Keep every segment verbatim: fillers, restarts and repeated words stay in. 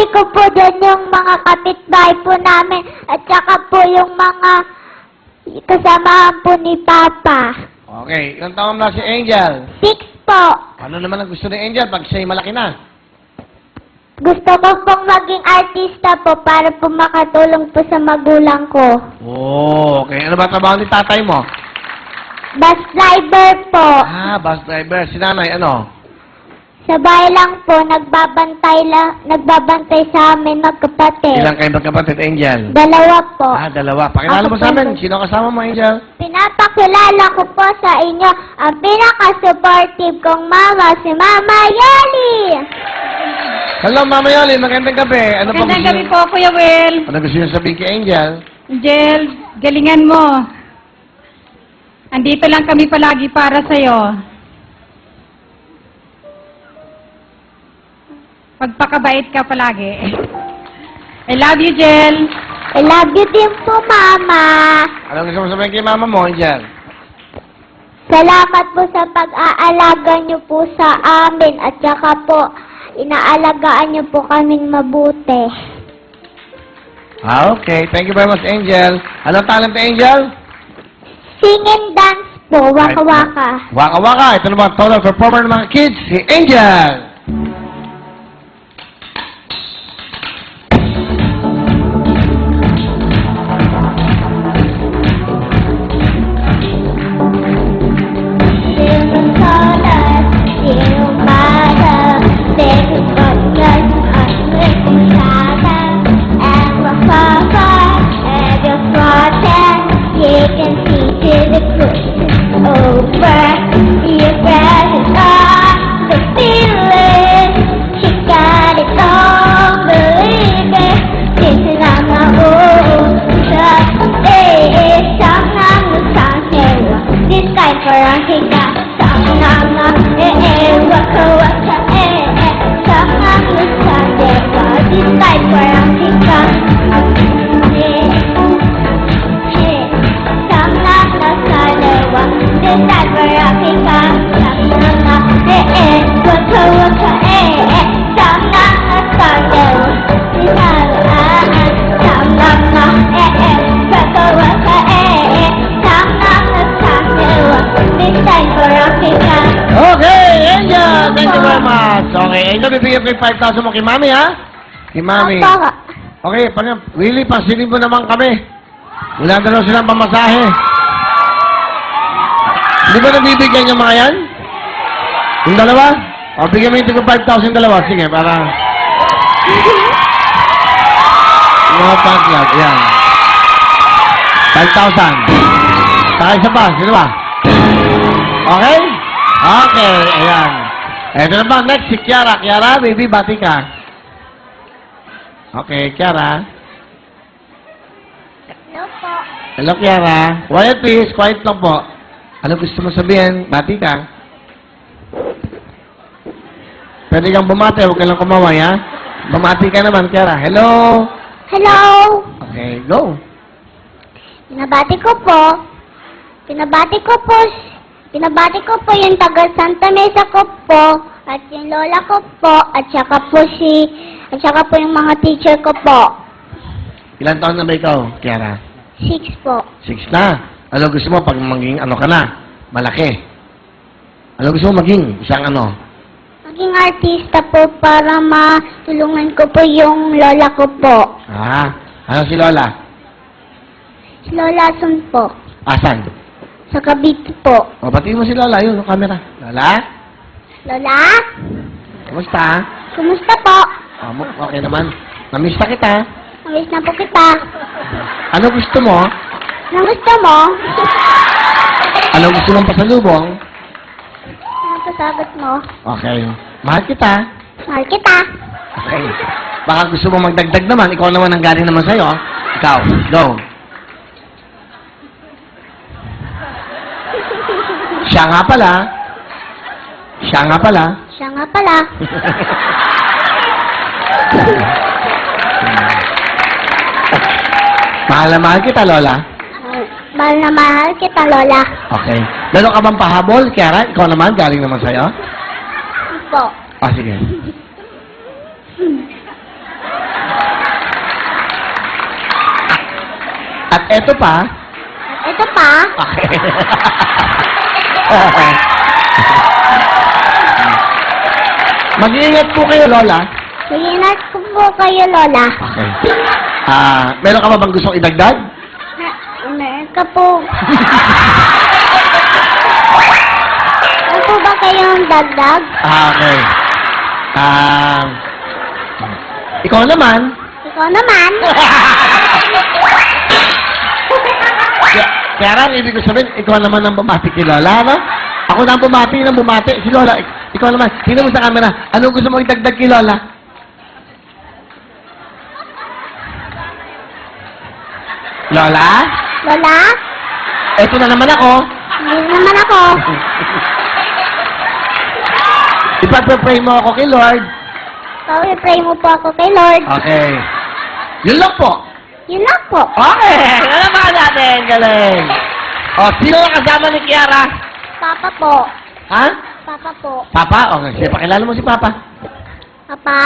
ko po doon yung mga kapitbahay po namin at saka po yung mga kasamahan po ni Papa. Okay, ilang taon na si Angel? Six po. Ano naman ang gusto ni Angel pag siya'y malaki na? Gusto ko pong maging artista po para po makatulong po sa magulang ko. Oh, okay. Ano ba trabaho ni tatay mo? Bus driver po. Ah, bus driver. Si nanay, ano? Sa bahay lang po, nagbabantay, la, nagbabantay sa amin magkapatid. Ilang kayo magkapatid, Angel? Dalawa po. Ah, dalawa. Pakilala Ako mo sa po. amin. Sino kasama mo, Angel? Pinapakilala ko po sa inyo ang pinaka-supportive kong mama, si Mama Yeli. Hello, Mama Yoli. Magandang gabi. Ano pa Magandang gusto gabi niyo- po, Kuya Will. Ano gusto niyo sabihin kay Angel? Angel, galingan mo. Andito lang kami palagi para sa'yo. Pagpakabait ka palagi. I love you, Jel. I love you din po, Mama. Ano gusto mo sabihin kay mama mo, Angel? Salamat po sa pag-aalaga niyo po sa amin at saka po, inaalagaan niyo po kaming mabuti. Ah, okay. Thank you very much, Angel. Anong talent ni Angel? Sing and dance po, waka-waka. Waka-waka. Ito naman, total performer ng mga kids, si Angel. Okay, Angel! Thank you very much. Okay, Angel, bibigyan ko yung five thousand mo kay Mami, ha? Kay Mami. Opo. Okay, pag Willie, pasilin mo naman kami. Wala na lang silang pamasahe. Hindi ba nabibigyan yung mga yan? Yung dalawa? O, bigyan mo yung five thousand dalawa. Sige, para... Mga pang-club, yan. five thousand. Saka isa pa, sino ba? Okay? Okay, ayan. Ito naman, next, si Kiara. Kiara, baby, bati ka. Okay, Kiara. Hello po. Hello, Kiara. Quiet, please. Quiet lang po. Ano gusto mo sabihin? Bati ka. Pwede kang bumati. Huwag ka lang kumaway, ha? Bumati ka naman, Kiara. Hello? Hello. Okay, go. Pinabati ko po. Pinabati ko po. Pinabati ko po yung taga Santa Mesa ko po. At yung lola ko po. At saka po si... At saka po yung mga teacher ko po. Ilan taon na ba ikaw, Kiara? Six po. Six na. Ano gusto mo pag maging ano ka na? Malaki. Ano gusto mo maging? Isang ano? Maging artista po para matulungan ko po yung lola ko po. Ah, ano si Lola? Si Lola Sun po. Asan? Sa Cavite po. O, batiin mo si Lola. Yun, yung camera. Lola? Lola? Kumusta? Kumusta po? Oh, mo- okay naman. Namiss na kita. Namiss na po kita. Ano gusto mo? Anong gusto mo? Ano gusto mong pasalubong? Ano pasagot mo? Okay. Mahal kita. Mahal kita. Okay. Baka gusto mo magdagdag naman. Ikaw naman ang galing naman sa'yo. Ikaw. Go. Siya nga pala. Siya nga pala. Siya nga pala. Mahal na mahal kita, Lola. Mahal na mahal kita, Lola. Okay. Meron ka bang pahabol, Kiara? Ikaw naman, galing naman sa'yo? Po. Ah, sige. At eto pa. At ito pa, Okay. Mag-iingat po kayo, Lola. Mag-ingat ko po kayo, Lola. Okay. Ah, meron ka ba bang gustong idagdag? Na, meron ka po. Ano po ba kayong dagdag? Ah, okay. Ah, ikaw naman. Ikaw naman. Kaya- Kaya lang, ibig ko sabihin, ikaw naman ang bumati kay Lola, no? Ako na ang bumati ng bumati. Si Lola, ik- ikaw naman. Tingnan mo sa camera. Anong gusto mo idagdag kay Lola? Lola? Lola, Eto na naman ako. hindi naman ako. Ipag-pray mo ako kay Lord. Pray mo po ako kay Lord. Okay. Yun lang po. Yun lang po. Okay. Ano ba natin? Galing. O, sino ang kasama ni Kiara? Papa po. Ha? Papa po. Papa? Okay. Sige, pakilala mo si Papa. Papa?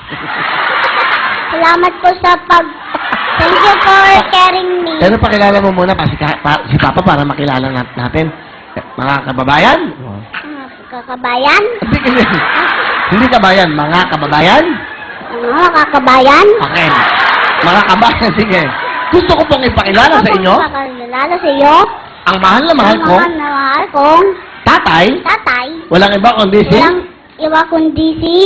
Salamat po sa pag... Thank you for caring me. Pero pakilala mo muna pa si, ka- pa, si Papa para makilala nat- natin. Eh, Mga kababayan? Oh. Mga kakabayan? Hindi, hindi. Hindi kabayan. Mga kababayan? Mga kakabayan? Okay. Mga kabayan, sige. Gusto ko pong ipakilala sa inyo Pakilala sa iyo. ang mahal na mahal ko, Ang mga mahal kong tatay, tatay. walang iba kundi si... Walang iwa kundi si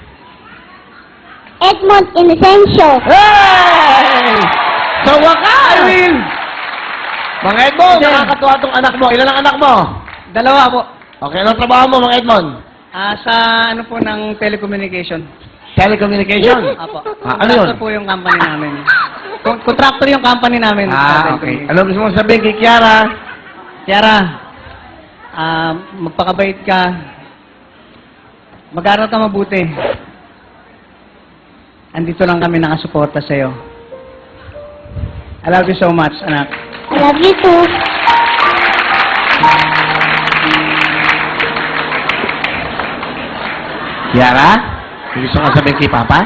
Edmond Inocencio. Hey! Sa wakas! I will. Mga Edmond, Then- nakakatuwa tong anak mo. Ilan ang anak mo? Dalawa po. Okay, anong trabaho mo, mga Edmond? Ah, sa ano po ng telecommunication. Telecommunication? Apo. Ah, ano yun? Contractor po yung company namin. Con- contractor yung company namin. sa Ah, okay. telecommunication. Ano gusto mong sabihin kay Kiara? Tiara, ah, magpakabait ka. Mag-aral ka mabuti. Andito lang kami nakasuporta sa'yo. I love you so much, anak. I love you too. Kiara? May gusto mong sabihin kay Papa?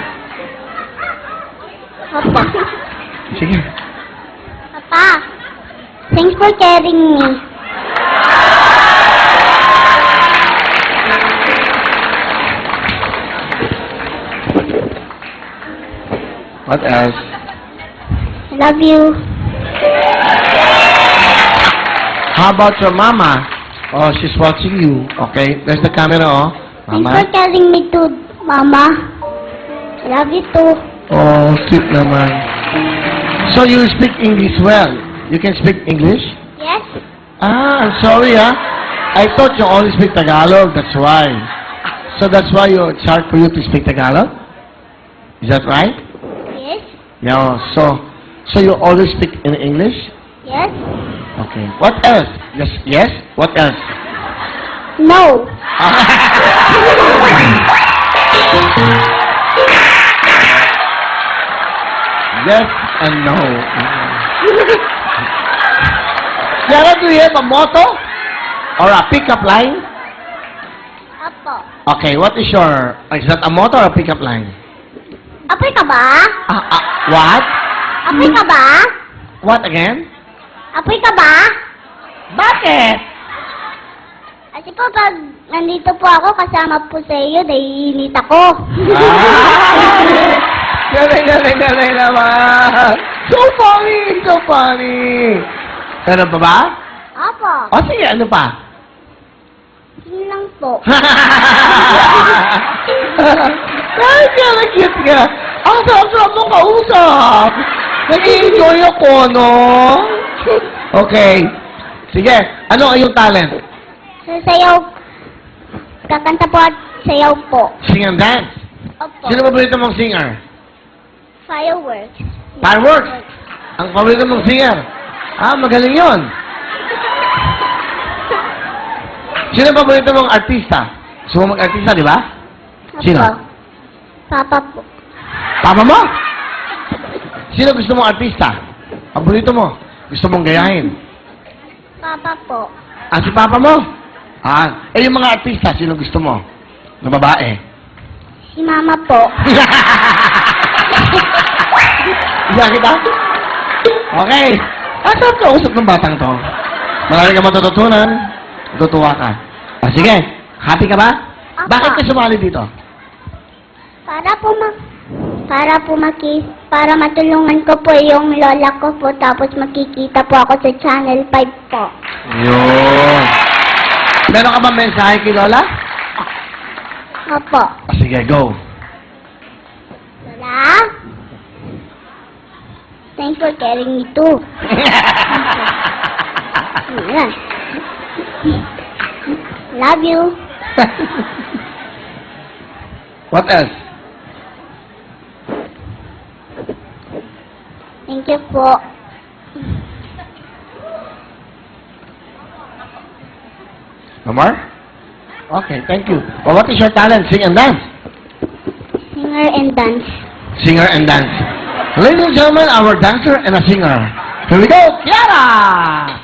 Papa. Sige. Papa. Thanks for caring me. What else? I love you. How about your mama? Oh, she's watching you. Okay, there's the camera, oh. Thanks for Mama? caring me too, Mama. I love you too. Oh, cute naman. So you speak English well. You can speak English? Yes? Ah, I'm sorry, ah. I thought you only speak Tagalog, that's why. So that's why you, it's hard for you to speak Tagalog? Is that right? Yes? Yeah, so, so you always speak in English? Yes? Okay. What else? Yes, yes? What else? No. Yes and no. Yara, do you have a motto? Or a pickup line? Apo. Okay, what is your... Is that a motto or a pickup line? Apoy ka ba? Ah, ah, what? Apoy ka ba? What again? Apoy ka ba? Bakit? Kasi po pag nandito po ako, kasama po sa iyo, naiinit ako. Ah! Galing, galing, galing naman. So funny, so funny. Ano pa ba? Apo. O sige, ano pa? Yun lang po. Ay, kaya cute ka. Ang sarap-sarap mong kausap. Nag-i-enjoy ako, no? Okay. Sige, ano ang iyong talent? Sa sayaw, kakanta po at sayaw po. Sing and dance. Opo. Sino paborito mong singer? Fireworks. Fireworks. Ang paborito mong singer? Ah, magaling yon. Sino paborito mong artista? Gusto mo mag-artista, di ba? Opo. Sino? Papa po. Papa mo? Sino gusto mong artista? Paborito mo? Gusto mong gayahin? Papa po. Ah, si Papa mo? Ah, eh yung mga artista, sino gusto mo? Na babae? Si Mama po. Iya kita? Okay. Ah, saan ka usap ng batang to? Marami ka matututunan. Tutuwa ka. Ah, sige. Happy ka ba? Apa. Bakit ka sumali dito? Para po ma... Para po maki... Para matulungan ko po yung lola ko po, tapos makikita po ako sa Channel five po. Yun. Meron ka ba mensahe kay Lola? Opo. Ah, sige, go. Lola? Thanks for carrying me too. Ayan. Love you. What else? Thank you po. No more? Okay, thank you. Well, what is your talent? Sing and dance. Singer and dance. Singer and dance. Ladies and gentlemen, our dancer and a singer. Here we go, Kiara!